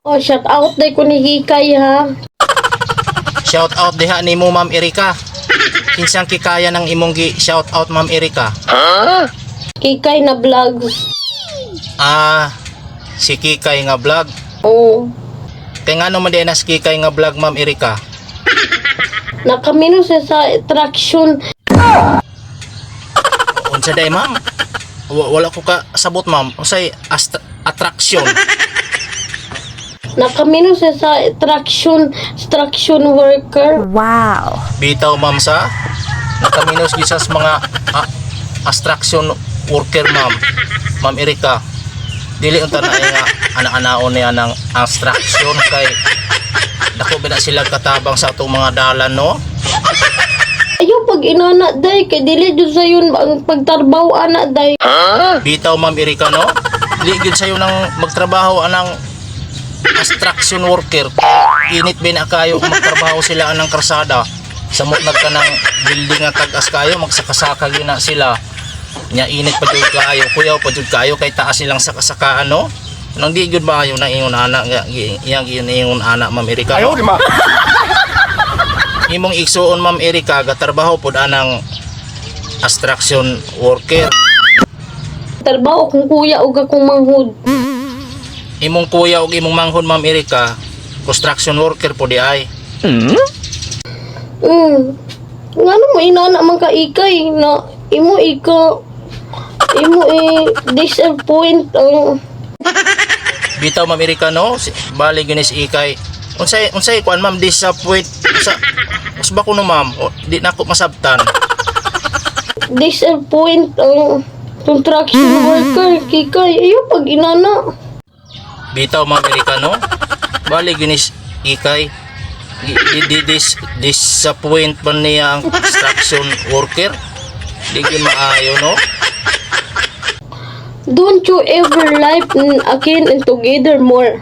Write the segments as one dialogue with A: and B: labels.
A: Oh, shout out day ko ni Hikay ha.
B: Shout out diha nimo Ma'am Erika. Kinsang kikaya ng imong gi shout out Ma'am Erika?
A: Hikay na vlog.
B: Si Kikay nga vlog.
A: Oh.
B: Kay ngano man di na si Kikay nga vlog Ma'am Erika?
A: Nakamino siya sa attraction.
B: Unsa day ma'am? Wala ko ka sabot ma'am. Unsay attraction?
A: Nakamino siya sa attraction worker.
C: Wow.
B: Bitaw ma'am sa nakaminos gisas mga attraction worker ma'am. Ma'am Erika. Dili unta na nga ana-anaon niya ng attraction kay dako ba na sila katabang sa atong mga dalan no?
A: Ayaw pag inana day kay dili jud sa yun ang pagtarbaho ana day.
B: Bitaw Ma'am Erika no? Dili gyud sayo nang magtrabaho anang attraction worker. Init ba na kayo kung magtrabaho sila anang karsada. Samot nagka ng building nga tag-as kayo magsakasaka gyud na sila. Nya init pa jud kayo, kuyaw pa jud kayo kay taas silang sakasakaan no? Nang di gyud ba ayo na ingon ana nga iyang ingon ana Ma'am Erika. No? Imong igsuon Ma'am Erika gatrabaho pod anang attraction worker.
A: Tarbaho kung kuya ug akong manghud.
B: Imong kuya ug imong manghod Ma'am Erika construction worker po di ay.
A: Ngano mo inana man ka Ikay na imo disappoint ang
B: Bitaw Ma'am Erika no, bali ginis Ikay. Unsay kuan ma'am disappoint sa ba kuno ma'am? Di na ako masabtan.
A: disappoint ang construction worker Kikay. Ayaw pag inana.
B: Bitaw Ma'am Erika no, bali ginis Ikay. Disappoint pa niya ang construction worker. Di gyud maayo no.
A: Don't you ever live again and together more.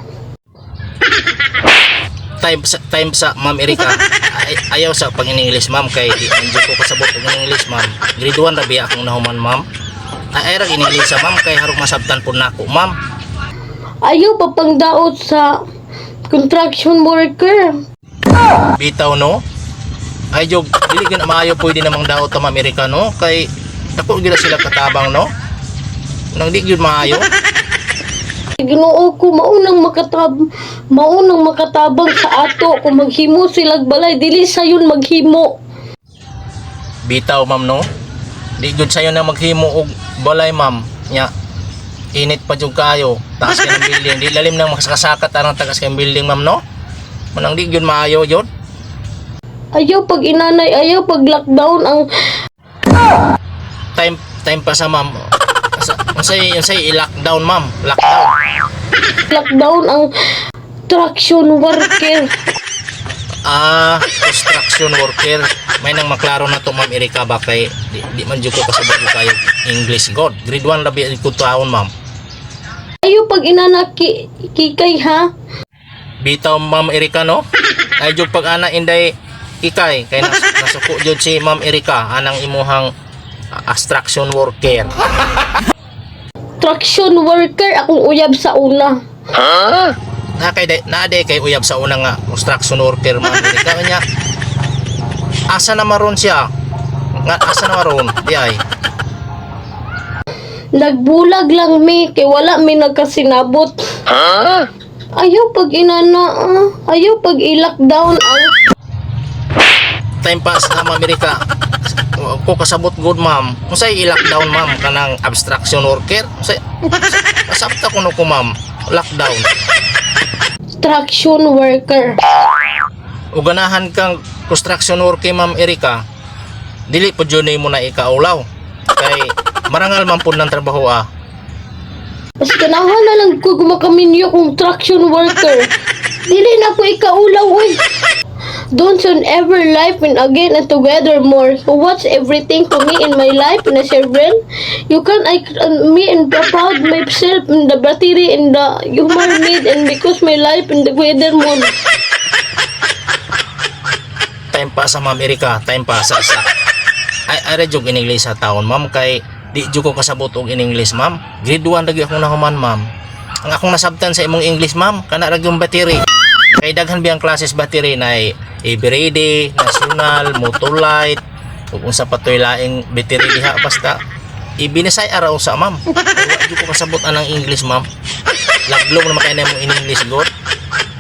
B: Time sa Ma'am Erika. Ayaw sa pag-English ma'am kay di man ko kasabot og English ma'am. Grade 1 ra biya akong nahuman ma'am. Ay ra English sa ma'am kay harong masabtan pud nako ma'am.
A: Ayaw pa pangdaot sa construction worker.
B: Bitaw no. Ay jog dili gyud maayo pwede namang daot ta Ma'am Erika no kay dako gyud sila katabang no. Nang di gyud maayo.
A: Ginoo ko maunang makatabang sa ato kung maghimo silag balay dili sayon maghimo.
B: Bitaw ma'am no. Di gyud sayo na maghimo og balay ma'am. Nya init pa jud kayo. Taas kay ng building. Di lalim nang makasakakat arang tagas kay building ma'am no. Manang di gyud maayo jud.
A: Ayaw pag inanay, ayaw pag lockdown ang
B: Time pa sa ma'am. Unsay i-lockdown ma'am. Lockdown
A: ang traction worker.
B: Construction worker. May nang maklaro na to Ma'am Erika ba kay di man jud ko kasabot ko kayo English god. Grade 1 ra biya ko taon ma'am.
A: Ayaw pag inana Kikay ha.
B: Bitaw Ma'am Erika no. Ay jud pag ana inday Ikay kay nasuko jud si Ma'am Erika anang imuhang abstraction worker.
A: Traction worker akong uyab sa una.
B: Na kay uyab sa una nga construction worker Ma'am Erika nya. Asa na maron siya? Nga asa na maron? Di ay.
A: Nagbulag lang mi kay wala mi nagkasinabot. Ayaw pag inana, ayaw pag i-lockdown ang
B: Time pass na Ma'am Erika. Ko kasabot good ma'am. Unsay i-lockdown ma'am kanang abstraction worker? Unsay kasabta ko no ko ma'am. Lockdown.
A: traction worker.
B: O ganahan kang construction worker Ma'am Erika. Dili po jud mo na ikaulaw. Kay marangal man pud ng trabaho
A: Mas ganahan na lang ko gumakaminyo kong traction worker. Dili na ko ikaulaw oy. Don't you ever life and again and together more. So what's everything to me in my life in a children? You can me and proud myself in the battery in the human need and because my life in the together more.
B: Time pa sa Ma'am Erika, time pa sa ay jug in English sa taon ma'am kay di jud ko kasabot og in English ma'am. Grade 1 lagi ako nahuman ma'am. ang akong nasabtan sa imong English ma'am, kana ra yung battery. Kay daghan biyang classes battery na everyday, national, motolite, ug unsa pa toy laing battery diha basta ibinisay araw sa ma'am. Wala gyud ko kasabot anang English ma'am. Laglong naman kay na imong in English god.